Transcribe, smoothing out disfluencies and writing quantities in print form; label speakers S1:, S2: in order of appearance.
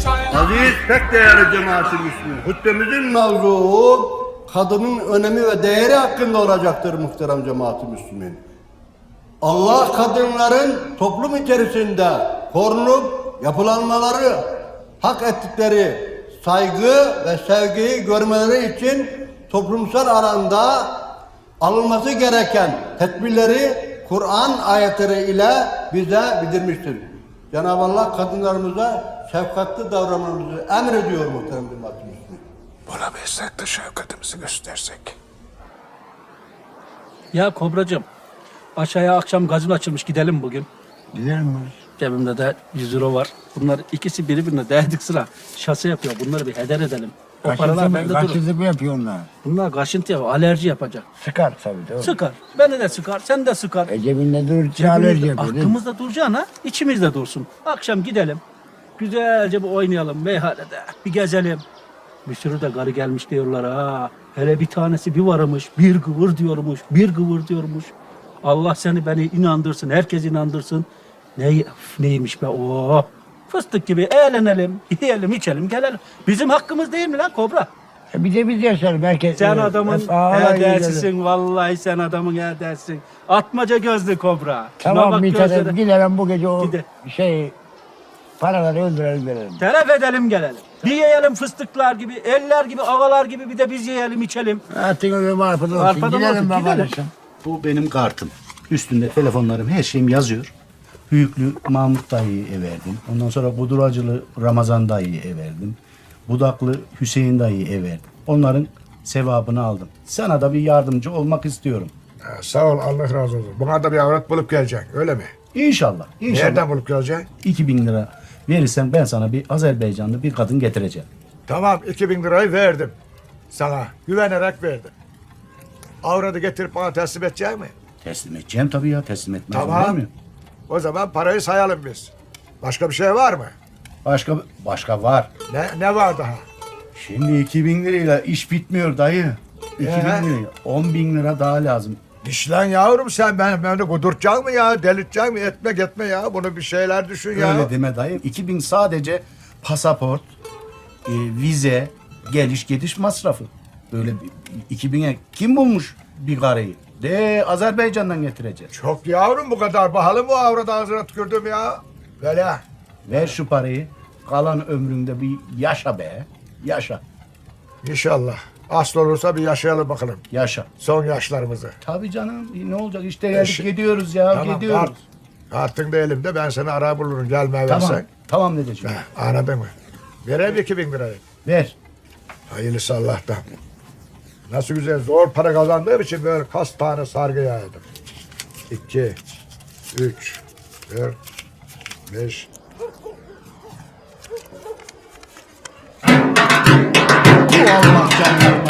S1: Aziz pek değerli cemaat-i Müslümin. Hutbemizin mevzuu kadının önemi ve değeri hakkında olacaktır muhterem cemaat-i Müslümin. Allah kadınların toplum içerisinde korunup yapılanmaları, hak ettikleri saygı ve sevgiyi görmeleri için toplumsal alanda alınması gereken tedbirleri Kur'an ayetleri ile bize bildirmiştir. Cenab-ı Allah kadınlarımıza şefkatli davranmamızı emrediyor muhterem cemaat-i Müslümin.
S2: Bulabilsek de şefkatimizi göstersek.
S3: Ya Kobracığım, aşağıya akşam gazino açılmış, gidelim bugün.
S2: Gidelim mi?
S3: Cebimde de 100 euro var. Bunlar ikisi birbirine değdik sıra. Şase yapıyor. Bunları bir heder edelim. O paralar bende durur.
S2: Kaçıntı mı yapıyor onlar?
S3: Bunlar kaşıntı yapıyor, alerji yapacak.
S2: Sıkar tabii değil mi?
S3: Sıkar. Beni de sıkar, sen de sıkar.
S2: Cebinde dur, çağırır
S3: Cebimizde,
S2: yapıyor değil mi?
S3: aklımızda duracağına içimizde dursun. Akşam gidelim. Güzelce bir oynayalım meyhanede. Bir gezelim. Bir sürü de karı gelmiş diyorlar ha. Hele bir tanesi bir varmış, bir gıvır diyormuş, bir gıvır diyormuş. Allah seni beni inandırsın, herkes inandırsın. Neymiş be o? Fıstık gibi eğlenelim, yiyelim, içelim, gelelim. Bizim hakkımız değil mi lan Kobra?
S2: Bir de biz yaşarız belki.
S3: Sen adamın
S2: hep ağlar
S3: edersisin, vallahi sen adamın edersin. Atmaca gözlü Kobra. Şuna
S2: Tamam
S3: bak
S2: bir tane
S3: gözlere.
S2: gidelim bu gece o
S3: Gide.
S2: paraları öldürelim verelim.
S3: Telef edelim gelelim. Bir yiyelim fıstıklar gibi, eller gibi, ağalar gibi bir de biz yiyelim, içelim.
S2: Artık öyle marpadan olsun.
S3: Marpadan
S2: Gidelim
S3: olsun,
S2: bakalım.
S3: gidelim.
S4: Bu benim kartım. Üstünde telefonlarım, her şeyim yazıyor. Hüyüklü Mahmut dayıya verdim. Ondan sonra Buduracılı Ramazan dayıya verdim. Budaklı Hüseyin dayıya verdim. Onların sevabını aldım. Sana da bir yardımcı olmak istiyorum.
S5: Sağ ol, Allah razı olsun. Buna da bir avrat bulup geleceksin, öyle mi?
S4: İnşallah. İnşallah.
S5: Nereden bulup geleceksin?
S4: 2000 lira verirsen ben sana bir Azerbaycanlı bir kadın getireceğim.
S5: Tamam, 2000 lirayı verdim. Sana güvenerek verdim. Avradı getirip bana teslim edecek mi?
S4: Teslim edeceğim tabii ya. Teslim etmez olur
S5: Tamam.
S4: mu?
S5: O zaman parayı sayalım biz. Başka bir şey var mı?
S4: Başka var.
S5: Ne var daha?
S4: Şimdi 2000 lirayla iş bitmiyor dayı. 2000 liraya 10.000 lira daha lazım.
S5: İşlen yavrum sen beni kudurtacaksın mı ya? Delirteceksin mi? Etme ya. Bunu bir şeyler düşün ya.
S4: Öyle deme dayı. 2000 sadece pasaport, vize, geliş gidiş masrafı. Böyle 2000'e kim bulmuş bir karıyı? De Azerbaycan'dan getireceğiz.
S5: Çok yavrum, bu kadar pahalı mı avradı ağzına tükürdüm ya? Böyle.
S4: Ver şu parayı. Kalan ömründe bir yaşa be. Yaşa.
S5: İnşallah. Asıl olursa bir yaşayalım bakalım.
S4: Yaşa.
S5: Son yaşlarımızı.
S4: Tabii canım. Ne olacak? İşte geldik
S5: Eşi-
S4: gidiyoruz ya.
S5: Tamam,
S4: gidiyoruz.
S5: Kartın da elimde, ben seni ara bulurum, gelmeye
S4: Tamam.
S5: versen.
S4: Tamam dedeciğim.
S5: Anladın mı? Vereyim 2000 lirayı.
S4: Ver.
S5: Hayırlısı Allah'tan. Nasıl güzel, zor para kazandığım için böyle kaç tane sargı yaydım. 2, 3, 4, 5.
S4: Allah canına